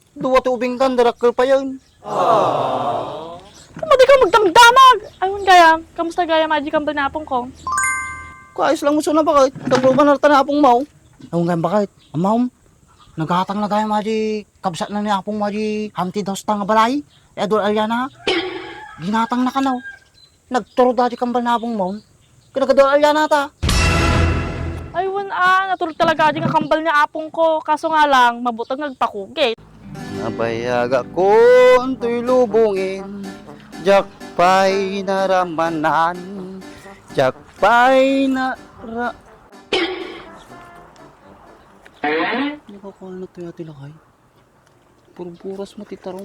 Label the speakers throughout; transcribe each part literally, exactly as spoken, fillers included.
Speaker 1: Duwa ti ubing tan, darakkel pa yun.
Speaker 2: Kumadi ka magdamdamag. Ayun gaya, kamusta gaya magic ang banapong ko?
Speaker 1: Kaayos lang mo na bakit? Kagruban na tanapong mau. Ang nga bakit? Amaw, naghatang na tayo maji, kabsat na ni apong maji, hamti daw sa tanga balay. E adol alyana, ginatang na kanaw. Nagturo dati kambal na apong mau. Kinagadol alyana ta.
Speaker 2: Ayun ah, natulog talaga di nga kambal niya apong ko. Kaso nga lang, mabutang nagpakugit.
Speaker 1: Nabayaga ko unto'y lubungin, jakpay naramanan, jakpay nara... Ano ka kung ano to yati lakay? Puro-puras mo titarong.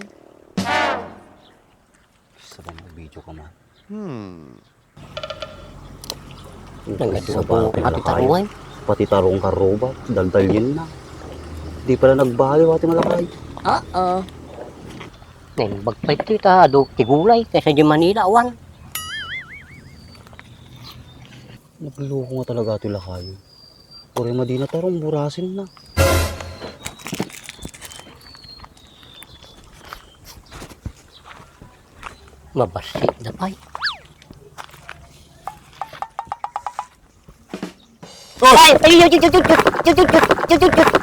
Speaker 1: Sa bang video ka man?
Speaker 3: Sa ba pati tarungan?
Speaker 1: Pati tarong karoba, daldalyin na. Di pala nagbaliw ati malakay.
Speaker 3: Oo. Neng bagpay kita ado tigulay kaysa di Manila awan.
Speaker 1: Nagloko nga talaga ati lakay. Puri madina tarong burasin na.
Speaker 3: Mabasi na pay. Ay, ay, ay, ay, ay, ay, ay, ay, ay.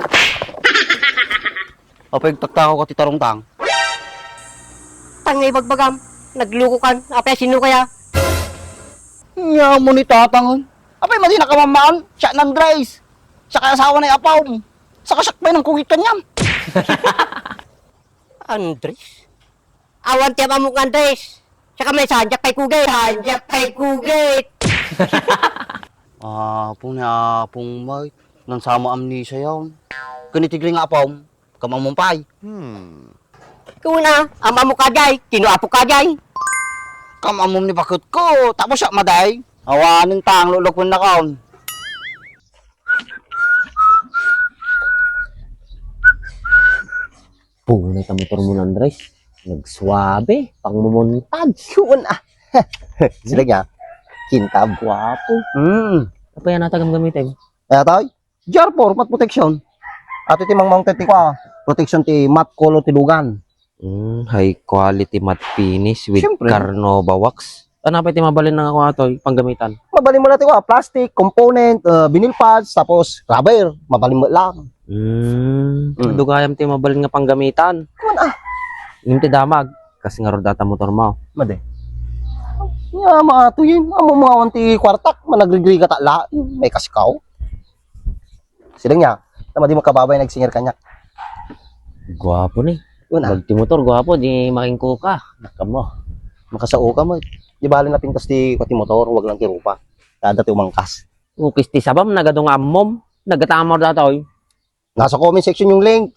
Speaker 1: Apay takta ko ti tarong tang.
Speaker 3: Tangay bagbagam. Nagluko kan. Apay sino kaya?
Speaker 1: Nya mo ni tatangon. Apay madina ka mamaan, siya ng Dries. Siya kaya asawa na apaw. Sa kasakbay ng kugit kanyam.
Speaker 3: Andres. Awan tiya mamuk Andres. Saka may sanjak pay kugay. Sanjak pay kugay.
Speaker 1: Ah, pong ni apong may nang sama amnesia yaw. Kanitigling nga apaw, kamamumpay.
Speaker 3: Kuna, ama mo kajay. Tinuapo kajay.
Speaker 1: Kamamum ni bakit ko, tapos siya maday. Awanin tang lulok na kaon.
Speaker 4: Punay ka motor mo ng Andres. Nagswabe, pang mumuntag. Yun ah. Sila niya, kintab, guwapo.
Speaker 1: Hmm.
Speaker 4: Apa yan natagam gamitin?
Speaker 1: Kaya tayo, jar for mat protection. At iti mang mounted ti kwa, protection ti mat kolo ti lugan.
Speaker 4: Mm, high quality matte finish with
Speaker 1: Siyempre.
Speaker 4: Carnova wax. Ano pa iti mabalin ng ako ato, panggamitan?
Speaker 1: Mabalin mo natin kwa, plastic, component, uh, vinyl pads, tapos rubber, mabalin mo lang.
Speaker 4: Mm,
Speaker 1: Mm.
Speaker 4: dugayam ti mabalin nga panggamitan.
Speaker 1: Kuman ah,
Speaker 4: Yung ti damag, kasi nga ro data motor mo.
Speaker 1: made. Ya, mga tuyin, amo mga wanti kwartak, managrigri ka tala, may kasikaw. Sila niya, na di makababay nagsingir kanya.
Speaker 4: Guwapo ni.
Speaker 1: Yun ah,
Speaker 4: Magti motor, guwapo, di makingko ka. Nakamo.
Speaker 1: makasao ka mo. Di bali na pintas ti kwati motor, wag lang ti rupa. Kada ti umangkas.
Speaker 4: Ukis ti sabam, nagadong ammom. Nagatamor datoy.
Speaker 1: Nasa comment section yung link.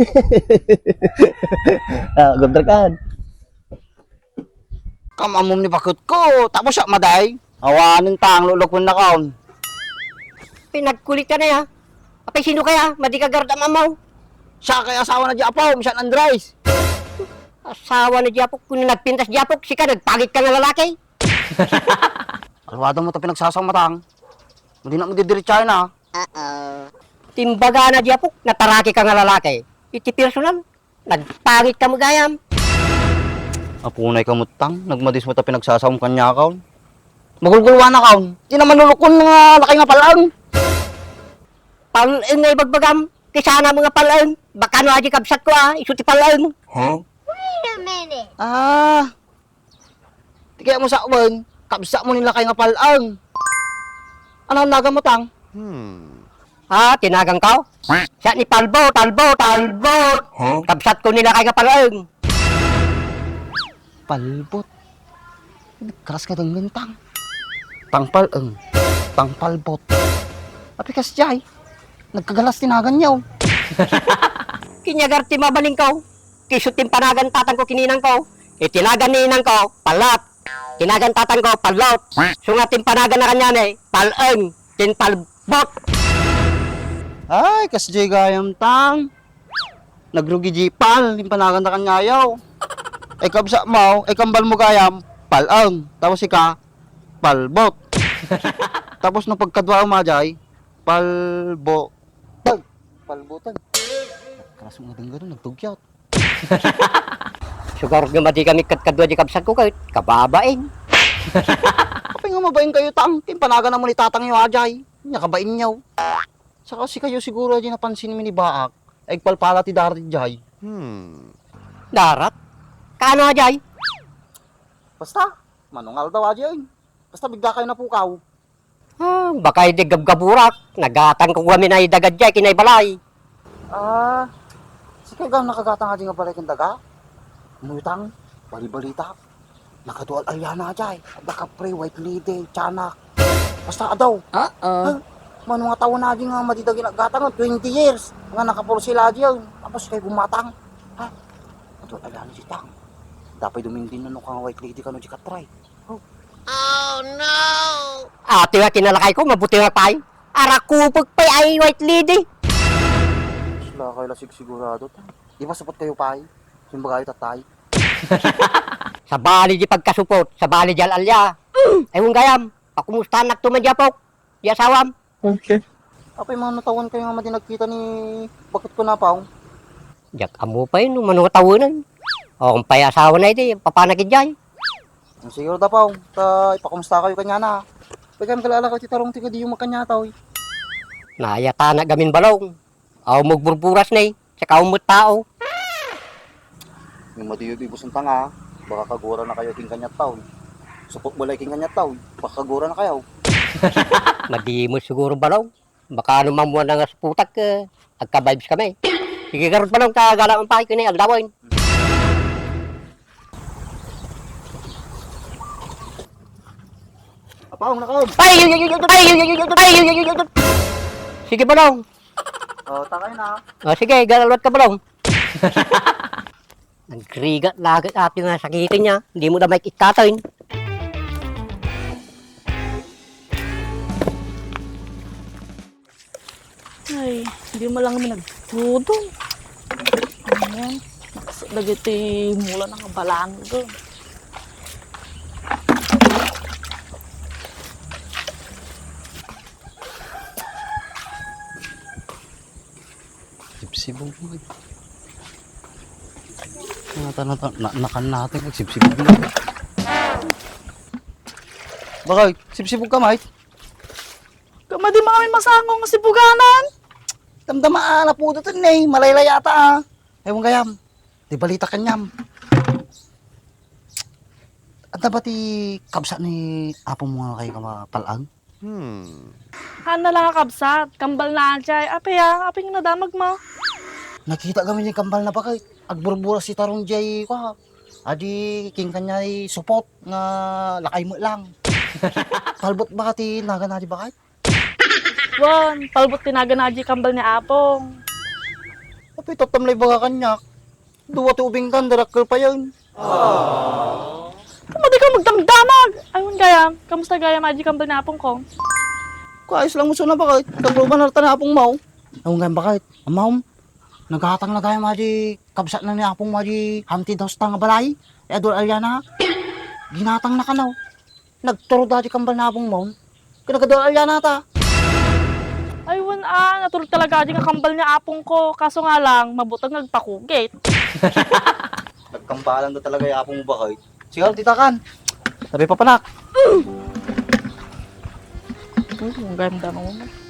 Speaker 1: Ah, gabdrakan. Kamamom ni bakit ko, tapos siya maday. Awanin tang lulok na kaon.
Speaker 3: Pinagkulit ka na ya. Apay sino kaya? Madi ka garda mamaw.
Speaker 1: Siya kaya asawa na di apaw, siya ng Dries.
Speaker 3: Asawa na Japok. Kung nagpintas Japok, sika nagpagit ka ng lalaki.
Speaker 1: Alwado mo ito pinagsasamatang. Hindi na mo didiritsahin na.
Speaker 3: Timbaga na Japok, nataraki ka ng lalaki. Iti personal, nagpagit ka magayam.
Speaker 1: Apunay ka mutang, nagmadis mo ito pinagsasawang kanya kaon. Magulgulwa na kaon. Di naman lulukon nga laki nga palaan.
Speaker 3: Palaan nga ibagbagam. Kisana mga palaan. Baka no aji kabsat ko ah, isuti palaan.
Speaker 1: Ah. Di kaya mo sa uwan, kabsa mo nila kay nga palaan. Ano ang naga mo tang?
Speaker 3: Ha, tinagang ka? Siya ni Talbo, Talbo, Talbo. Kabsat ko nila kay kapalaan.
Speaker 1: Palbot. Keras ka ng gantang. Tangpaleng. Tangpalbot. Tapi kas jay. Nagkagalas tinagan niyaw.
Speaker 3: Kinyagar ti mabaling ko. Kisut tim panagan tatan ko kininang ko. Itinagan ninang ko, palat. Tinagan tatan ko, palot. Sungat tim panagan na kanya ni, palang. Tin palbot.
Speaker 1: Ay, kas jay gayam tang. Nagrugi jipal. Limpanagan na kanyayaw. Ay kabsa mo, ay kambal mo gayam, palang. Tapos ika, palbot. Tapos nung pagkadwa umajay, palbo. Tag, palbotan. Karas mo nga ganun, nagtugyat.
Speaker 3: Sugar nga madi kami katkadwa di kabsat ko kahit kababain.
Speaker 1: Kapag nga mabain kayo tang, timpanaga naman itatang yung ajay. Nya kabain nyaw. Saka si kayo siguro di napansin mi ni Baak. Ay palpala ti darat jay.
Speaker 3: Darat? Kaano ajay?
Speaker 1: Basta, manungal daw ajay. Basta bigla kayo napukaw.
Speaker 3: Ah, baka hindi gabgaburak. Nagatan ko kami na idagad jay kinay balay.
Speaker 1: Ah, si kayo gam nakagatang ajay nga balay kang daga. Umutang, bali-balita. Nakadual alyana ajay. Nakapre, white lady, tiyanak. Basta adaw. Uh-oh. Man mga taon na nga madidagi naggatang twenty years. Nga nakapuro sila ajay. Tapos kayo gumatang. Ha? Nakadual alyana si tang. Dapat dumindin na no kang white lady ka no di katry.
Speaker 3: Ate nga kinalakay ko, mabuti nga pay. Arakupag pay ay white lady.
Speaker 1: Sila kayo lasig sigurado. Di ba sapat kayo pay? Simba kayo tatay.
Speaker 3: Sa bali di pagkasupot, sa bali di alalya. Ewan gayam, pakumustahan nak tumadyapok. Di asawam.
Speaker 1: Apay mga natawan kayo nga madi nagkita ni bakit ko na pa?
Speaker 3: Jak amo pa yun, manunga tawanan. O kung pay asawa na iti, papanakid jay.
Speaker 1: Siguro da pa, ta ipakumusta kayo kanya na. Pagkan kalala ka titarong tiga di yung makanya taw.
Speaker 3: Nayata na gamin balong. Aw magburburas na eh, saka umot tao.
Speaker 1: Yung madiyo ibusong tanga, baka kagura na kayo king kanya taw. Supot mo king kanya taw, baka kagura na kayo.
Speaker 3: Madimos siguro balong. Baka ano mamuha na nga sa putak, eh. Agka-vibes kami. Sige karot balong, kagala ang pahay ko na yung agdawin.
Speaker 1: Apang nakaon.
Speaker 3: Ay! Ay! Ay! Ay! Ay! Sige balong.
Speaker 1: Oh, takay na.
Speaker 3: O sige, galalwat ka balong. Nagrigat lagat at yung sakitin niya. Hindi mo na may itatoin.
Speaker 2: Ay, hindi mo lang kami nagtudong. Ayan. Lagiti mula ng kabalaan doon.
Speaker 1: Sipsibog mo. Nata nata na, nakan natin kag sipsibog mo. Bakit? Sipsibog ka, mate?
Speaker 2: Kama di mga may masangong si Buganan.
Speaker 1: Damdama na po dito eh. Malaylay yata ah. Ewan kayam. Di balita kanyam. At dapat ti kabsa ni apong mga kayo kamapalang?
Speaker 2: Hana lang kabsat, kambal na ajay. Ape ya, ape nga nadamag mo.
Speaker 1: Nakita kami ni kambal na bakit. Agburbura si tarong jay ko. Adi king kanya support nga lakay mo lang. Palbot ba ti naga na di bakit?
Speaker 2: Wan, palbot tinaga na ajay kambal ni Apong.
Speaker 1: Api tatamlay baga kanya. Duwa ti ubing kan, darakkel pa yun.
Speaker 2: Kama di ka magdamdamag. Ayun gaya, kamusta gaya ajay kambal ni Apong ko?
Speaker 1: Kaayos lang mo na bakit. Kagruban na na apong mau. Ewan nga bakit. Amaw, naghatang na tayo maji kabsat na ni apong maji hamti daw sa tanga balay. E adol alyana. Ginatang na kanaw. Nagturo dati kambal na apong mau. Kinakadol alyana ta.
Speaker 2: Ayun ah, natulog talaga ajay nga kambal ni Apong ko. Kaso nga lang, mabutang nagpakugit.
Speaker 1: Nagkambalan na talaga yung apong bakit. Sigaw, titakan. Sabi pa panak.
Speaker 2: Ang ganda naman.